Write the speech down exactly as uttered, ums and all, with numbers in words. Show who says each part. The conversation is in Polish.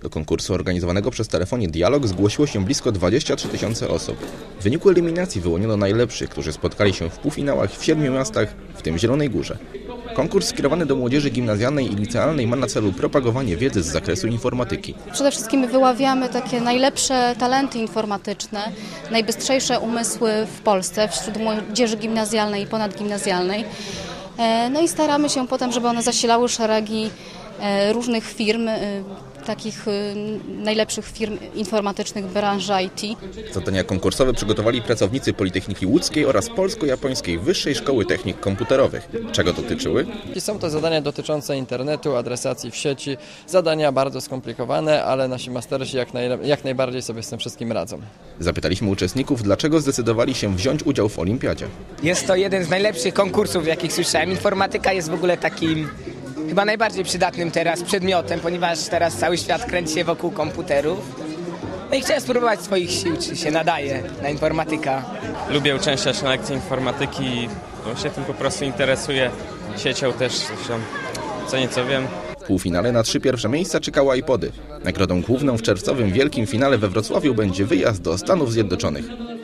Speaker 1: Do konkursu organizowanego przez Telefonie Dialog zgłosiło się blisko dwadzieścia trzy tysiące osób. W wyniku eliminacji wyłoniono najlepszych, którzy spotkali się w półfinałach w siedmiu miastach, w tym Zielonej Górze. Konkurs skierowany do młodzieży gimnazjalnej i licealnej ma na celu propagowanie wiedzy z zakresu informatyki.
Speaker 2: Przede wszystkim wyławiamy takie najlepsze talenty informatyczne, najbystrzejsze umysły w Polsce wśród młodzieży gimnazjalnej i ponadgimnazjalnej. No i staramy się potem, żeby one zasilały szeregi różnych firm, takich najlepszych firm informatycznych branży I T.
Speaker 1: Zadania konkursowe przygotowali pracownicy Politechniki Łódzkiej oraz Polsko-Japońskiej Wyższej Szkoły Technik Komputerowych. Czego dotyczyły?
Speaker 3: Są to zadania dotyczące internetu, adresacji w sieci, zadania bardzo skomplikowane, ale nasi mastersi jak, naj, jak najbardziej sobie z tym wszystkim radzą.
Speaker 1: Zapytaliśmy uczestników, dlaczego zdecydowali się wziąć udział w olimpiadzie.
Speaker 4: Jest to jeden z najlepszych konkursów, jakich słyszałem. Informatyka jest w ogóle takim chyba najbardziej przydatnym teraz przedmiotem, ponieważ teraz cały świat kręci się wokół komputerów. No i chciałem spróbować swoich sił, czy się nadaje na informatyka.
Speaker 5: Lubię uczęszczać na lekcje informatyki, no się tym po prostu interesuję. Siecią też, zresztą co nieco wiem.
Speaker 1: W półfinale na trzy pierwsze miejsca czekały iPody. Nagrodą główną w czerwcowym wielkim finale we Wrocławiu będzie wyjazd do Stanów Zjednoczonych.